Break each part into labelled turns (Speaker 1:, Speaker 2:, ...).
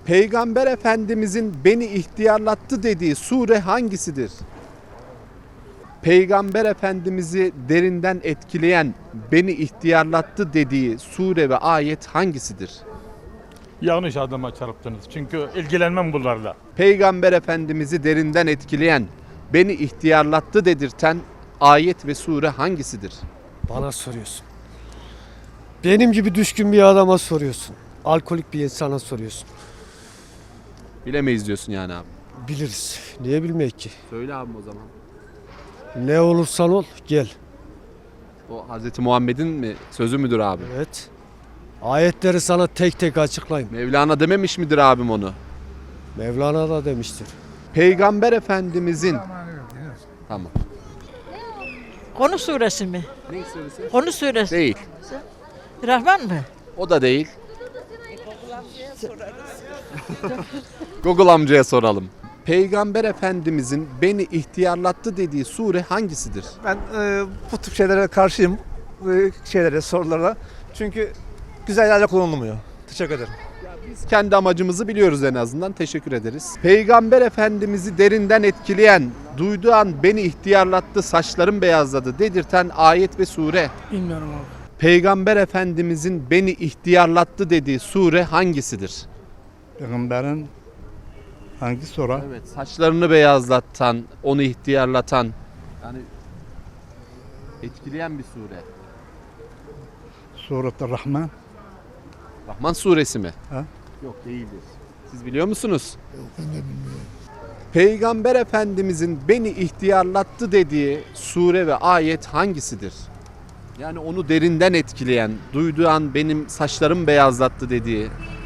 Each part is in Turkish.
Speaker 1: Peygamber Efendimizin beni ihtiyarlattı dediği sure hangisidir? Peygamber Efendimiz'i derinden etkileyen, beni ihtiyarlattı dediği sure ve ayet hangisidir?
Speaker 2: Yanlış adama çarptınız. Çünkü ilgilenmem bunlarla.
Speaker 1: Peygamber Efendimiz'i derinden etkileyen, beni ihtiyarlattı dedirten ayet ve sure hangisidir?
Speaker 3: Bana soruyorsun. Benim gibi düşkün bir adama soruyorsun. Alkolik bir insana soruyorsun.
Speaker 1: Bilemeyiz diyorsun yani abi.
Speaker 3: Biliriz. Niye bilmeyek ki?
Speaker 1: Söyle abi o zaman.
Speaker 3: Ne olursan ol gel.
Speaker 1: O Hazreti Muhammed'in mi sözü müdür abi?
Speaker 3: Evet. Ayetleri sana tek tek açıklayayım.
Speaker 1: Mevlana dememiş midir abim onu?
Speaker 3: Mevlana da demiştir.
Speaker 1: Peygamber Efendimizin... Tamam.
Speaker 4: Konu suresi mi?
Speaker 1: Ne suresi?
Speaker 4: Konu suresi.
Speaker 1: Değil.
Speaker 4: Rahman mı?
Speaker 1: O da değil. Google amcaya soralım. Peygamber Efendimizin beni ihtiyarlattı dediği sure hangisidir?
Speaker 5: Ben bu tip şeylere karşıyım. Sorulara. Çünkü güzel yerlerle kullanılmıyor. Teşekkür ederim.
Speaker 1: Biz kendi amacımızı biliyoruz en azından. Teşekkür ederiz. Peygamber Efendimiz'i derinden etkileyen, duyduğu an beni ihtiyarlattı, saçlarım beyazladı dedirten ayet ve sure.
Speaker 6: Bilmiyorum abi.
Speaker 1: Peygamber Efendimizin beni ihtiyarlattı dediği sure hangisidir?
Speaker 7: Peygamberin hangi sura?
Speaker 1: Evet, saçlarını beyazlatan, onu ihtiyarlatan, yani etkileyen bir sure.
Speaker 7: Surat-ı Rahman.
Speaker 1: Rahman suresi mi?
Speaker 7: Ha?
Speaker 1: Yok, değildir. Siz biliyor musunuz? Yok, ben de bilmiyorum. Peygamber Efendimizin beni ihtiyarlattı dediği sure ve ayet hangisidir? Yani onu derinden etkileyen, duyduğu an benim saçlarım beyazlattı dediği.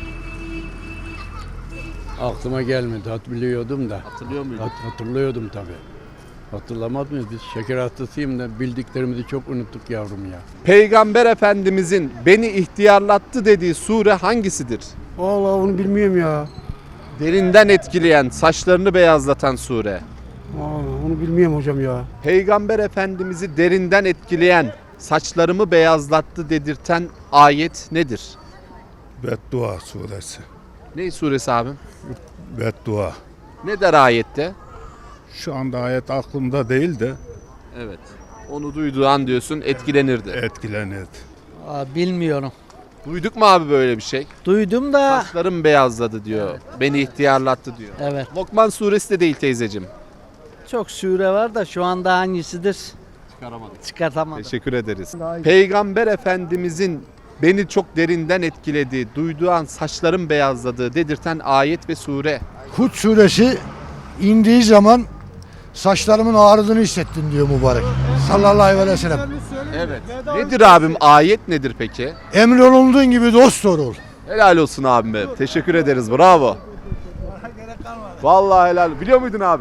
Speaker 8: Aklıma gelmedi. Biliyordum da.
Speaker 1: Hatırlıyor muydun?
Speaker 8: Hatırlıyordum tabii. Hatırlamaz mıyız? Biz şeker hastasıyım da bildiklerimizi çok unuttuk yavrum ya.
Speaker 1: Peygamber Efendimizin beni ihtiyarlattı dediği sure hangisidir?
Speaker 3: Vallahi onu bilmiyorum ya.
Speaker 1: Derinden etkileyen, saçlarını beyazlatan sure.
Speaker 3: Vallahi onu bilmiyorum hocam ya.
Speaker 1: Peygamber Efendimiz'i derinden etkileyen, saçlarımı beyazlattı dedirten ayet nedir?
Speaker 7: Beddua suresi.
Speaker 1: Ne suresi abim?
Speaker 7: Beddua.
Speaker 1: Ne der ayette?
Speaker 7: Şu anda ayet aklımda değil de
Speaker 1: Evet. Onu duyduğu an diyorsun etkilenirdi.
Speaker 7: etkilenir.
Speaker 6: Bilmiyorum.
Speaker 1: Duyduk mu abi böyle bir şey?
Speaker 6: Duydum da.
Speaker 1: Saçlarım beyazladı diyor. Beni ihtiyarlattı diyor.
Speaker 6: Evet.
Speaker 1: Lokman suresi de değil teyzeciğim.
Speaker 6: Çok sure var da şu anda hangisidir
Speaker 1: Çıkaramadık.
Speaker 6: çıkartamadım.
Speaker 1: Teşekkür ederiz. Peygamber Efendimizin beni çok derinden etkilediği, duyduğu an saçlarım beyazladığı dedirten ayet ve sure.
Speaker 9: Hud suresi indiği zaman saçlarımın ağrıdığını hissettim diyor mübarek. Sallallahu aleyhi ve sellem.
Speaker 1: Evet. Nedir abim? Ayet nedir peki?
Speaker 9: Emrolunduğun gibi dost doğru ol.
Speaker 1: Helal olsun abime. Teşekkür ederiz. Bravo. Vallahi helal. Biliyor muydun abi?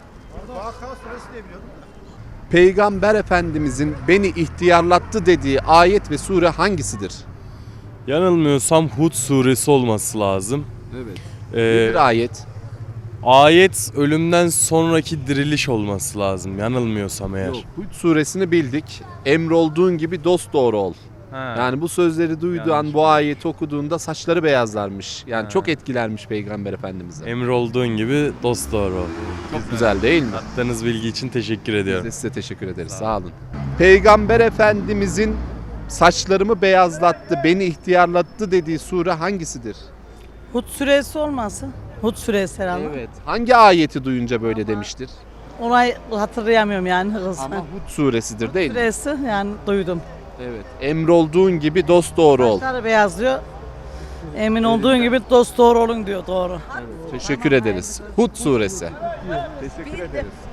Speaker 1: Peygamber Efendimizin beni ihtiyarlattı dediği ayet ve sure hangisidir?
Speaker 10: Yanılmıyorsam Hud suresi olması lazım.
Speaker 1: Evet.
Speaker 10: Ee,
Speaker 1: Nedir ayet?
Speaker 10: ayet ölümden sonraki diriliş olması lazım. Yanılmıyorsam eğer.
Speaker 1: Yok. Hud suresini bildik. Emrolduğun gibi dost doğru ol.
Speaker 10: Ha.
Speaker 1: Yani bu sözleri duyduğu
Speaker 10: Yanlış
Speaker 1: an bu ayeti okuduğunda saçları beyazlarmış. Yani çok etkilenmiş Peygamber Efendimiz'e.
Speaker 10: Emir olduğun gibi dost doğru ol.
Speaker 1: Çok güzel değil mi?
Speaker 10: Attığınız bilgi için teşekkür
Speaker 1: Biz
Speaker 10: ediyorum.
Speaker 1: de size teşekkür ederiz. Sağ olun. Peygamber Efendimizin saçlarımı beyazlattı, beni ihtiyarlattı dediği sure hangisidir?
Speaker 6: Hud suresi olmasın? Hud suresi herhalde.
Speaker 1: Evet. Hangi ayeti duyunca böyle demiştir?
Speaker 6: Onu hatırlayamıyorum yani hızlı.
Speaker 1: Ama Hud suresidir değil mi?
Speaker 6: Suresi yani duydum.
Speaker 1: Evet. Emrolduğun gibi dost doğru ol.
Speaker 6: Saçları beyazlıyor. Emin olduğun gibi dost doğru olun diyor doğru.
Speaker 1: Teşekkür ederiz. Hud suresi. Teşekkür ederiz.